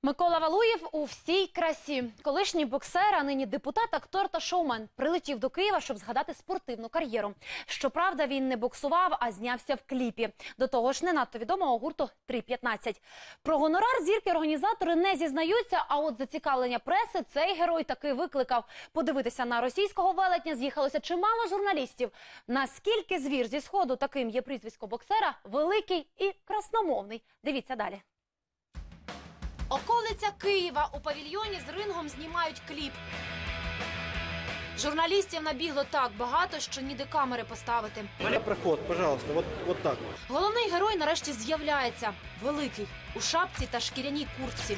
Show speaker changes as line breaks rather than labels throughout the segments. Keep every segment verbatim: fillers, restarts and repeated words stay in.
Микола Валуєв у всій красі. Колишній боксер, а нині депутат, актор та шоумен. Прилетів до Києва, щоб згадати спортивну кар'єру. Щоправда, він не боксував, а знявся в кліпі. До того ж, не надто відомого гурту три п'ятнадцять. Про гонорар зірки організатори не зізнаються, а от зацікавлення преси цей герой таки викликав. Подивитися на російського велетня з'їхалося чимало журналістів. Наскільки звір зі Сходу, таким є прізвисько боксера, великий і красномовний. Дивіться далі. Околиця Києва. У павільйоні з рингом знімають кліп. Журналістів набігло так багато, що ніде камери поставити.
Проход, пожалуйста, вот, вот так.
Головний герой нарешті з'являється. Великий. У шапці та шкіряній куртці.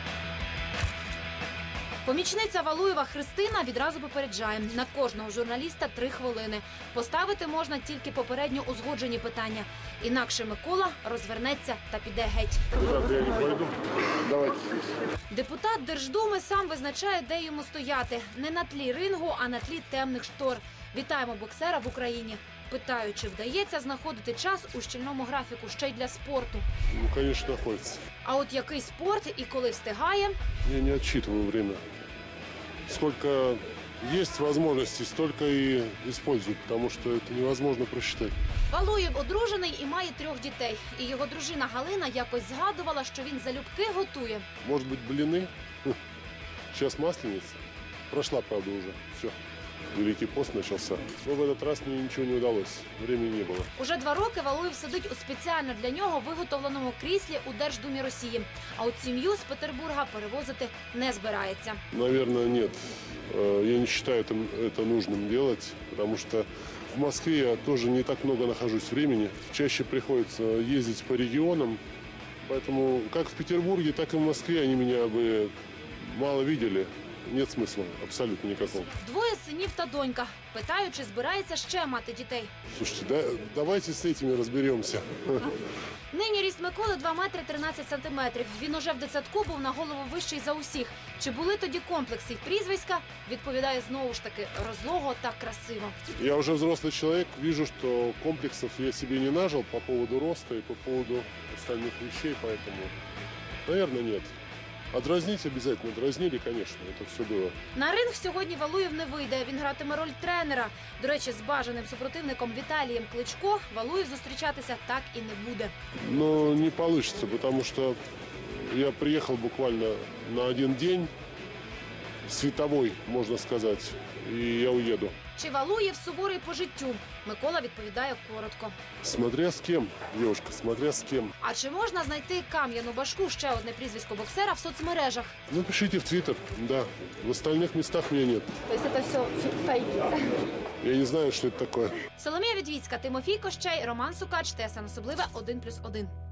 Помічниця Валуєва Христина відразу попереджає. На кожного журналіста три хвилини. Поставити можна тільки попередньо узгоджені питання. Інакше Микола розвернеться та піде геть.
Куди я не пойду? Давайте.
Депутат Держдуми сам визначає, де йому стояти. Не на тлі рингу, а на тлі темних штор. Вітаємо боксера в Україні. Питаю, чи вдається знаходити час у щільному графіку ще й для спорту.
Ну, конечно, находится.
А от який спорт і коли встигає?
Я не отсчитываю время. Сколько есть возможностей, столько и использую, потому что это невозможно просчитать.
Валуєв одружений і має трьох дітей. І його дружина Галина якось згадувала, що він залюбки готує.
Может быть, блины? Сейчас масленица. Прошла, правда, уже. Все. Великий пост начался. Но в этот раз мне ничего не удалось. Времени не было.
Уже два роки Валуєв сидить у спеціально для нього виготовленому кріслі у Держдумі Росії. А от сім'ю з Петербурга перевозити не збирається.
Наверное, нет. Э, Я не считаю это, это нужным делать, потому что в Москве я тоже не так много нахожусь времени. Чаще приходится ездить по регионам. Поэтому как в Петербурге, так и в Москве они меня бы мало видели. Нет смысла абсолютно никакого.
Двоє синів та донька. Питаю, чи збирається ще мати дітей.
Слушайте, да, давайте с этими разберемся.
Нині ріст Миколи два метри тринадцять сантиметрів. Він уже в дитсадку був на голову вищий за усіх. Чи були тоді комплекси й прізвиська? Відповідає знову ж таки розлого та красиво.
Я уже взрослый человек, вижу, что комплексов я себе не нажил по поводу роста и по поводу остальных вещей, поэтому, наверное, нет. А дразнить обязательно. Дразнили, конечно, это все было.
На ринг сьогодні Валуєв не вийде. Він гратиме роль тренера. До речі, з бажаним супротивником Віталієм Кличко Валуєв зустрічатися так і не буде.
Но не получится, потому что я приехал буквально на один день, световой, можно сказать, и я уеду.
Чи Валуєв суворий по життю? Микола відповідає коротко.
Смотря с кем, девушка, смотря с кем.
А чи можна знайти Кам'яну Башку, ще одне прізвисько боксера, в соцмережах?
Напишите в Твиттер, да. В остальных местах меня нет.
Тобто це все фейки?
Я не знаю, что это такое.
Соломія Відвіцька, Тимофій Кощей, Роман Сукач, ТСН Особливе, один плюс один.